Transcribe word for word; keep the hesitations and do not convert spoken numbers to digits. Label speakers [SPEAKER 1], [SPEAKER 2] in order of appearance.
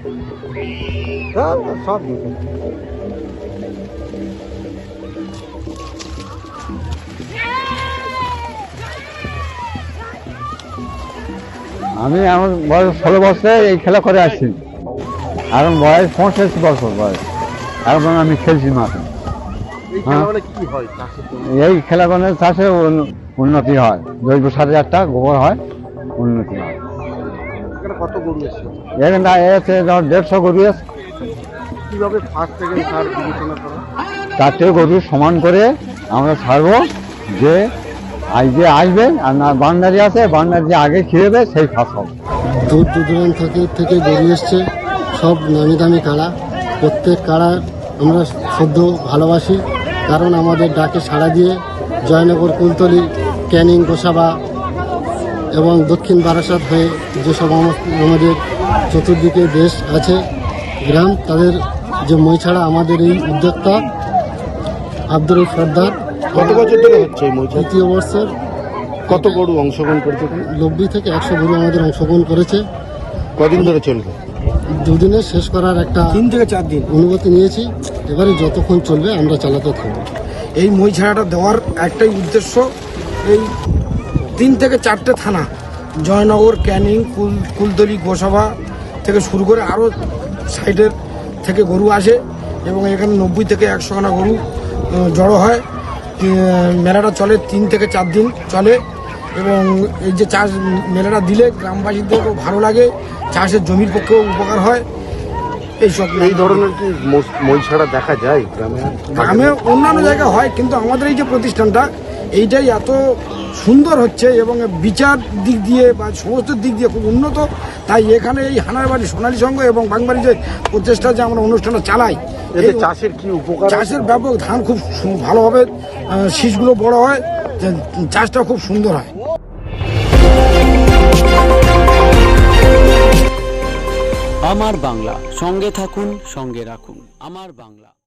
[SPEAKER 1] সব দিকে আমি আমার বয়স ষোলো বছরে এই খেলা করে আসছি। এখন বয়স পঁয়ষট্টি বছর বয়স, এখন আমি খেলছি মাঠে। এই খেলা করলে চাষে উন্নতি হয়, জৈব সারের একটা গোবর হয়, উন্নতি হয়।
[SPEAKER 2] কত গরু এসেছে?
[SPEAKER 1] এখানে এসে ধর দেড়শো গরু এসে।
[SPEAKER 2] কিভাবে ফার্স্ট সেকেন্ড থার্ড বিবেচনা করা?
[SPEAKER 1] চারটে গরু সমান করে আমরা ছাড়বো, যে আজ যে আসবে আর না বান্দারি আছে, বান্দার যে আগে খেয়েবে সেই ফার্স্ট হবে।
[SPEAKER 3] দূর দূরান্ত থেকে থেকে গরু এসছে, সব নামি দামি কাড়া। প্রত্যেক কাড়া আমরা সদ্য ভালোবাসি, কারণ আমাদের ডাকে সাড়া দিয়ে জয়নগর, কুলতলি, ক্যানিং, গোসাবা এবং দক্ষিণ বারাসাত হয়ে যেসব আমাদের চতুর্দিকে দেশ আছে, গ্রাম, তাদের যে মই ছাড়া আমাদের এই উদ্যোক্তা আব্দুল সর্দার।
[SPEAKER 2] কত বছর ধরে হচ্ছে এই মই ছাড়া?
[SPEAKER 3] তৃতীয় বছর।
[SPEAKER 2] কত গরু অংশগ্রহণ করেছে?
[SPEAKER 3] নব্বই থেকে একশো গরু আমাদের অংশগ্রহণ করেছে।
[SPEAKER 2] কদিন ধরে চলবে?
[SPEAKER 3] দুদিনে শেষ করার একটা
[SPEAKER 4] তিন থেকে চার দিন
[SPEAKER 3] অনুমতি নিয়েছি। এবারে যতক্ষণ চলবে আমরা চালাতে থাকবো।
[SPEAKER 4] এই মই ছাড়াটা দেওয়ার একটাই উদ্দেশ্য, এই তিন থেকে চারটে থানা, জয়নগর, ক্যানিং, কুল কুলতলি, গোসাবা থেকে শুরু করে আরও সাইডের থেকে গরু আসে এবং এখানে নব্বই থেকে একশো খানা গরু আহ, জড়ো হয়। তি- মেলাটা চলে তিন থেকে চার দিন চলে এবং এই যে চাষ মেলাটা দিলে গ্রামবাসীদের খুব ভালো লাগে, চাষের জমির পক্ষেও উপকার হয়। এইসব
[SPEAKER 2] এই ধরনের কি মোস- মই ছাড়া দেখা যায় গ্রামে?
[SPEAKER 4] গ্রামে অন্যান্য জায়গায় হয়, কিন্তু আমাদের এই যে প্রতিষ্ঠানটা এইটাই এত সুন্দর হচ্ছে এবং বিচার দিক দিয়ে বা সমস্ত দিক দিয়ে খুব উন্নত, তাই এখানে এই হানারবাড়ি সোনালী সংঘ এবং বাংবাড়ি যে প্রচেষ্টা যে আমরা অনুষ্ঠানটা চালাই,
[SPEAKER 2] এতে
[SPEAKER 4] এই
[SPEAKER 2] চাষের কি উপকার?
[SPEAKER 4] চাষের ব্যাপক, ধান খুব সু- ভালো হবে, আহ, শীষগুলো বড় হয়, যে চাষটা খুব সুন্দর হয়।
[SPEAKER 5] আমার বাংলা, সঙ্গে থাকুন, সঙ্গে রাখুন আমার বাংলা।